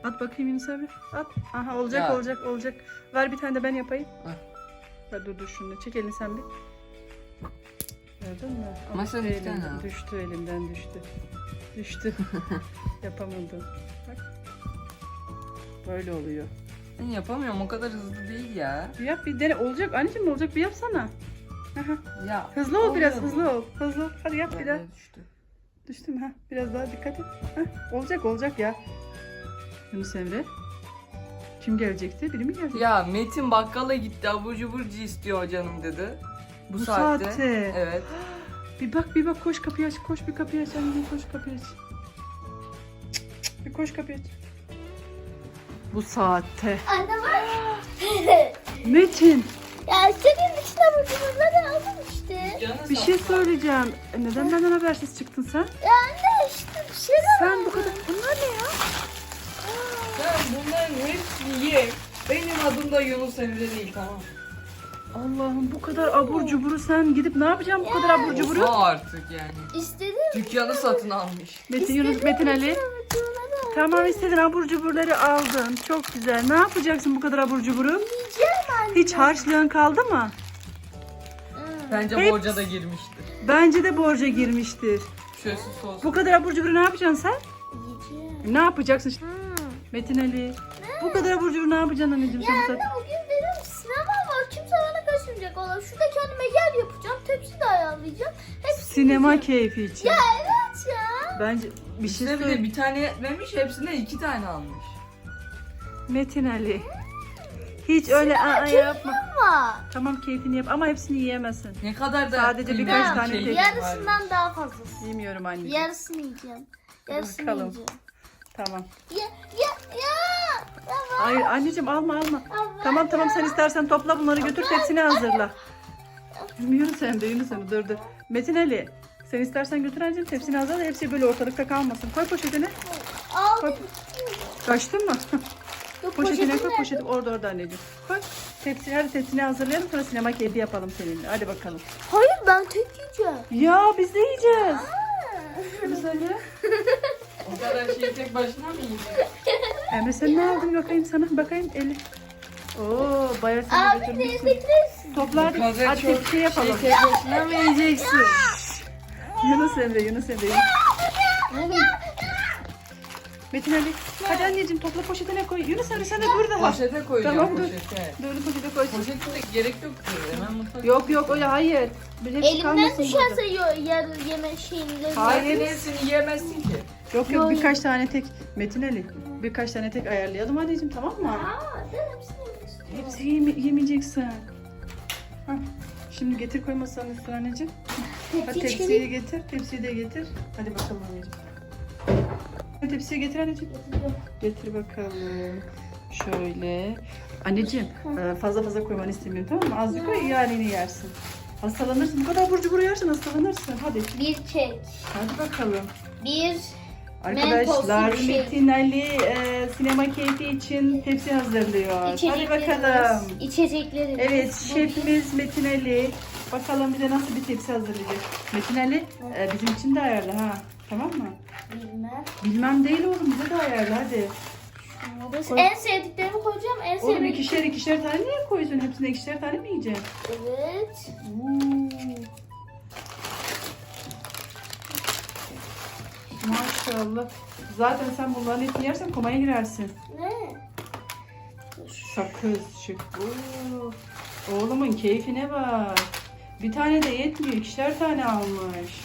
At bakayım Yunus abi. At. Aha olacak Ya. olacak. Ver bir tane de ben yapayım. Heh. Ver dur şunu. Çek elini sen bir. Gördün mü? Ama sen Düştü iki tane elimden, al. düştü elimden düştü. Düştü. Yapamadım. Bak. Böyle oluyor. Ben yapamıyorum, o kadar hızlı değil ya. Bir yap bir dene. Olacak anneciğim olacak bir yapsana. Aha. Ya Hızlı ol biraz oluyor. hızlı ol. Hızlı ol. Hadi yap bir daha. Böyle düştü. Düştü mü? Ha, biraz daha dikkat et. Heh, olacak ya. Yunus Emre. Kim gelecekti? Biri mi gelecek? Ya Metin bakkala gitti, abur cuburcu istiyor canım dedi. Bu saatte. Evet. Bir bak koş kapıyı aç. Koş bir kapıyı aç. Anneciğim koş kapıyı aç. Bir koş kapıyı aç. Bu saatte. Anne var. Metin Ya senin içine bunları aldım işte. Canı bir şey söyleyeceğim. Neden benden habersiz çıktın sen? Ya anne işte bir şey de Sen bu kadar... Bunlar ne ya? Sen bunların hepsini ye. Benim adım da Yunus Emre değil, tamam. Allah'ım bu kadar abur cuburu sen gidip ne yapacaksın bu kadar abur cuburu? O artık yani. İstedim. Dükkanı satın almış. Metin Yunus Metin Ali. Tamam istedin abur cuburları aldın. Çok güzel. Ne yapacaksın bu kadar abur cuburu? Yiyeceğim anne. Hiç harçlığın kaldı mı? Bence Hepsi- borca da girmiştir. Bence de borca girmiştir. Şöyle sos. Bu kadar abur cuburu ne yapacaksın sen? Yiyeceğim. Ne yapacaksın? Metin Ali. Bu kadar abur cuburu ne yapacaksın anneciğim sen bu Anne saat? bugün benim sinema var. Kimse bana kaçırmayacak. Valla şurada kendime yer yapacağım. Tepsi de ayarlayacağım. Hepsini Sinema yiyeceğim. keyfi için. Ya evet ya. Bence bir şey İşte bir de söyle. bir tane yetmemiş, hepsine 2 tane almış. Metin Ali. Hiç öyle yapma. Ama Tamam keyfini yap ama hepsini yiyemezsin. Ne kadar da Sadece kıymetli birkaç bir tane şey tek. var. yarısından daha fazlası. Yemiyorum anneciğim. Yarısını yiyeceğim. Yarısını Bakalım. yiyeceğim. Tamam. Ya. Tamam. Hayır anneciğim alma. Ama- Tamam sen istersen topla bunları götür tepsini hazırla. Yunus Emre dur. Metin Ali sen istersen götür anneciğim tepsini hazırla hepsi böyle ortalıkta kalmasın. Koy poşetine. Al. Koy. Kaçtın mı? Yok, Poşetine koy poşetim poşeti orada anneciğim. Koy. Hadi tepsini hazırlayalım sonra sinema keyfi yapalım seninle. Hadi bakalım. Hayır ben tek yiyeceğim. Ya biz de yiyeceğiz. Yunus Emre. O kadar şeyi tek başına mı yiyecek? Emre sen ne aldın bakayım sana bakayım eli. Oo bayağı sen de Abi götürmüşsün. teyze Topla hadi. Bu kadar Hadi çok tepsi yapalım. Şey tek başına mı yiyeceksin? Yunus Emre. Metin Ali. Hadi anneciğim topla poşetine koy. Yunus Emre sen de burada. Poşete koyacağım, Tamam, dur. poşete. Böyle poşete koy. Poşete de gerek yok ki. Hemen mutfak. Yok öyle hayır. Bir hepsi elimden kalmasın düşerse burada. yarı yeme şeyinde. Hayır. Hepsini yiyemezsin ki. Yok birkaç tane tek. Metin Ali. Birkaç tane tek ayarlayalım anneciğim tamam mı? Aa, ben hepsini yemek istiyorum. Hepsi yemeyeceksin. Hah. Şimdi getir koy masanın üstüne anneciğim. Hadi Tepsi tepsiyi getir. Tepsiyi de getir. Hadi bakalım anneciğim. Hadi tepsiyi getir anneciğim. Getir bakalım. Şöyle. Anneciğim fazla koymanı istemiyorum tamam mı? Azıcık koy yani yersin. Hastalanırsın. Bu kadar abur cubur yersin hastalanırsın. Hadi. Bir kek. Hadi bakalım. Bir Arkadaşlar Mentoslu bir şey. Metin Ali sinema keyfi için tepsi hazırlıyor. Hadi içeceklerimiz. bakalım. İçeceklerimiz. Evet Bu şefimiz Metin Ali. Bakalım bize nasıl bir tepsi hazırlayacak. Metin Ali bizim için de ayarla ha. Tamam mı? Bilmem. Bilmem değil oğlum bize de ayarla hadi. Koy. En sevdiklerimi koyacağım. En Oğlum sevdiklerimi. ikişer tane niye koyuyorsun? Hepsine ikişer tane mi yiyeceksin? Evet. Maşallah. Zaten sen bunların hepsini yersen komaya girersin. Ne? Sakız şık. Oğlumun keyfine bak. Bir tane de yetmiyor. İkişer tane almış.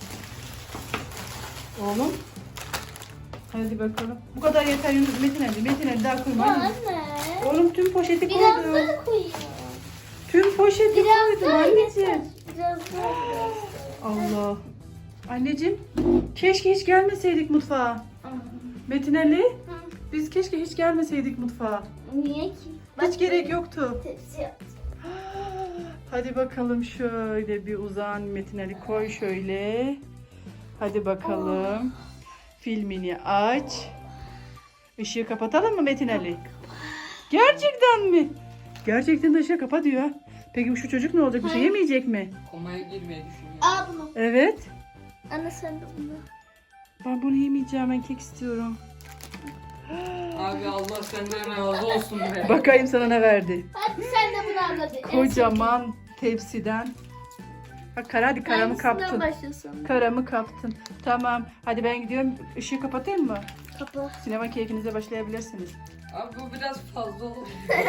Oğlum. Hadi bakalım. Bu kadar yeter Yunus. Metin Ali daha koyma. Ya hadi. anne. Oğlum tüm poşeti Biraz koydum. daha koyayım. Tüm poşeti Biraz koydum daha anneciğim. yeter. Biraz daha. Allah. Anneciğim keşke hiç gelmeseydik mutfağa. Metin Ali biz keşke hiç gelmeseydik mutfağa. Niye ki? Hiç gerek yoktu. Tepsi yaptım. Hadi bakalım şöyle bir uzan Metin Ali koy şöyle. Hadi bakalım. Filmini aç. Işığı kapatalım mı Metin Ali? Gerçekten mi? Gerçekten de ışığı kapa diyor. Peki şu çocuk ne olacak? Bir şey yemeyecek mi? Komaya girmeyi düşünüyorum. Al bunu. Evet. Anne sen de bunu. Ben bunu yemeyeceğim. Ben kek istiyorum. Abi Allah senden razı olsun be. Bakayım sana ne verdi. Hadi sen de bunu al hadi. Kocaman tepsiden. Bak hadi karamı Hangisinden kaptın. başlasın? Karamı kaptın. Tamam. Hadi ben gidiyorum. Işığı kapatayım mı? Kapı. Sinema keyfinize başlayabilirsiniz. Abi bu biraz fazla oldu.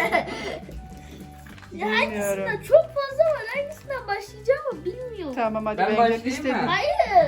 Ya Bilmiyorum. hangisinden? Çok fazla var. Hangisinden başlayacağımı bilmiyorum. Tamam hadi Ben ben başlayayım gidiyorum. mı? Hayır.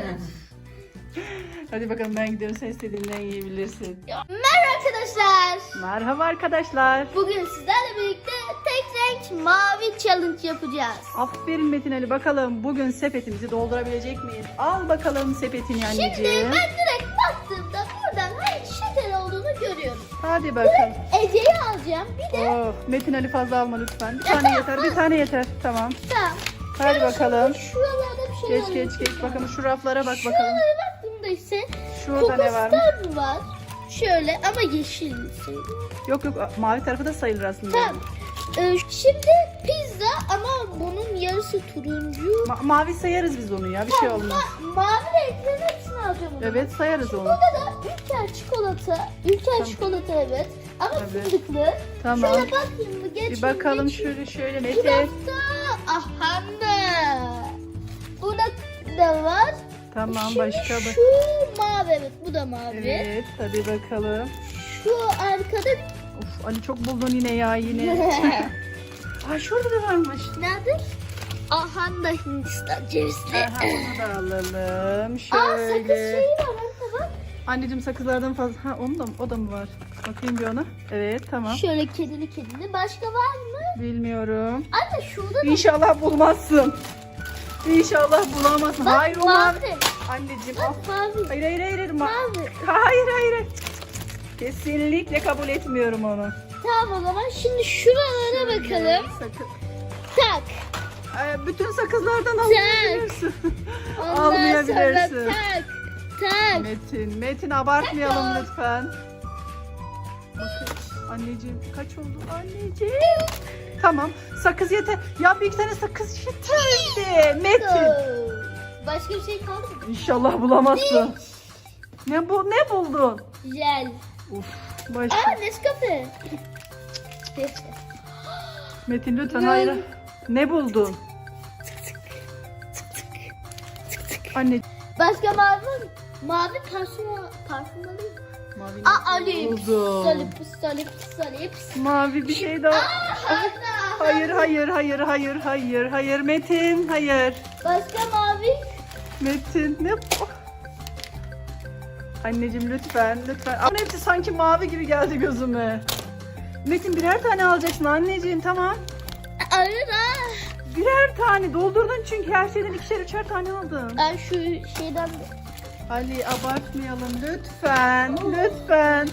Hadi bakalım ben gidiyorum. Sen istediğinden yiyebilirsin. Merhaba arkadaşlar. Merhaba arkadaşlar. Bugün sizlerle birlikte tek renk mavi challenge yapacağız. Aferin Metin Ali. Bakalım bugün sepetimizi doldurabilecek miyiz? Al bakalım sepetini Şimdi anneciğim. ben direkt baktığımda buradan hangi şeker olduğunu görüyorum. Hadi bakalım. Ece'yi alacağım. Bir de Oh, Metin Ali fazla alma lütfen. Bir tane yeter. Bir tane yeter. Tamam. tamam. Hadi bakalım. Şuralarda bir şey Geç geç geç. Bakalım şu raflara bak bakalım. Şuralara baktığımda ise Şurada ne varmış? kokostar var. Şöyle ama yeşil sayılır. Yok yok mavi tarafı da sayılır aslında. Tamam. Şimdi pizza ama bunun yarısı turuncu. Mavi sayarız biz onu ya. Bir şey olmaz. Mavi renklerin hepsini alacağım onu. Evet sayarız onu. Burada da Ülker çikolata. Ülker çikolata evet. Ama Evet. fındıklı. Tamam. Şöyle bakayım mı? Geç. Bir bakalım geç. şöyle Bir Metin. dakika. Aha da. Burada da var. Tamam Şimdi başka bak. şu mavi evet bu da mavi. Evet hadi bakalım. Şu arkada Of Ali çok buldun yine ya yine. Ay şurada da varmış. nerede? Aha da Hindistan cevizli. Aha, onu da alalım. Aa sakız Şöyle. şeyi var anne bak. Anneciğim sakızlardan fazla. Ha onu da mı? O da mı var? Bakayım bir ona. Evet tamam. Şöyle kedili. Başka var mı? Bilmiyorum. Anne şurada da İnşallah bulmazsın. İnşallah bulamazsın. bak, Hayır o mavi. mavi. Anneciğim al. Bak mavi. Hayır. Mavi. Hayır. Kesinlikle kabul etmiyorum onu. Tamam o zaman şimdi şuralara bakalım. Sakın. Tak. Bütün sakızlardan alabilirsin. Ondan sonra Almayabilirsin. tak. Metin abartmayalım lütfen. Bakın anneciğim kaç oldu anneciğim? Tamam sakız yeter. Ya bir iki tane sakız yeterdi. Metin. Başka bir şey kaldı mı? İnşallah bulamazsın. Ne buldun? Jel. Uf başka. Aa Nescafe. Metin lütfen hayır. Ne buldun? Anne. Başka mavi var mı? Mavi parfüm alayım mı? Mavi Aa Alip. buldum. Salip. Mavi bir şey daha. Hayır Metin hayır. Başka mavi. Metin ne bu? Anneciğim lütfen. Ama hepsi sanki mavi gibi geldi gözüme. Metin birer tane alacaksın anneciğim tamam. Hayır Birer tane doldurdun çünkü her şeyden ikişer üçer tane aldın. Ben şu şeyden Ali abartmayalım lütfen.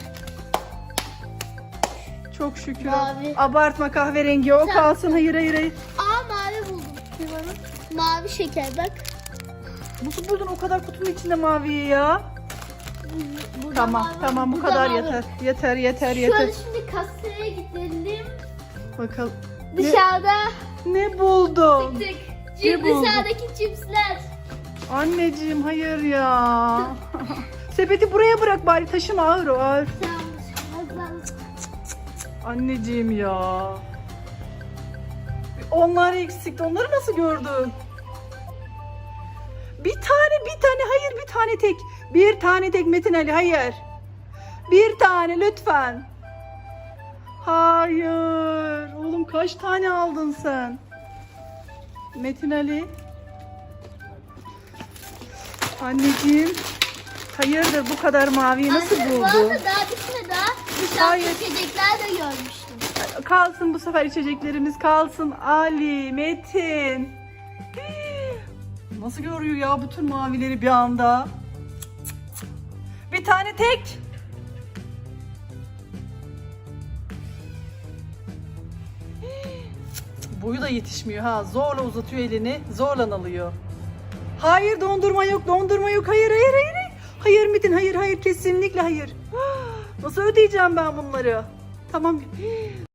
Çok şükür. Mavi. Abartma kahverengi o Tamam. kalsın hayır. Aa mavi buldum. Mavi şeker bak. Nasıl buldun o kadar kutunun içinde maviyi ya? Burada Tamam mavi, bu burada kadar mavi. yeter. Şöyle şimdi kasaya gidelim. Bakalım. Dışarıda Ne buldun? tık. Ne buldun? Dışarıdaki cipsler. Anneciğim hayır ya. Sepeti buraya bırak bari taşıma ağır o ağır. Tamam. Anneciğim ya. Onlar eksikti. Onları nasıl gördün? Bir tane hayır bir tane tek. Bir tane tek Metin Ali hayır. Bir tane lütfen. Hayır. Oğlum kaç tane aldın sen? Metin Ali. Anneciğim. Hayırdır bu kadar maviyi nasıl Anne, bu buldu? arada daha bitmedi daha. Dışarıda Hayır. içecekler de görmüştüm. Kalsın bu sefer içeceklerimiz kalsın. Ali, Metin. Nasıl görüyor ya bütün mavileri bir anda? Bir tane tek. Boyu da yetişmiyor ha. Zorla uzatıyor elini. Zorla alıyor. Hayır dondurma yok. Hayır. Hayır Metin hayır kesinlikle hayır. Nasıl ödeyeceğim ben bunları? Tamam.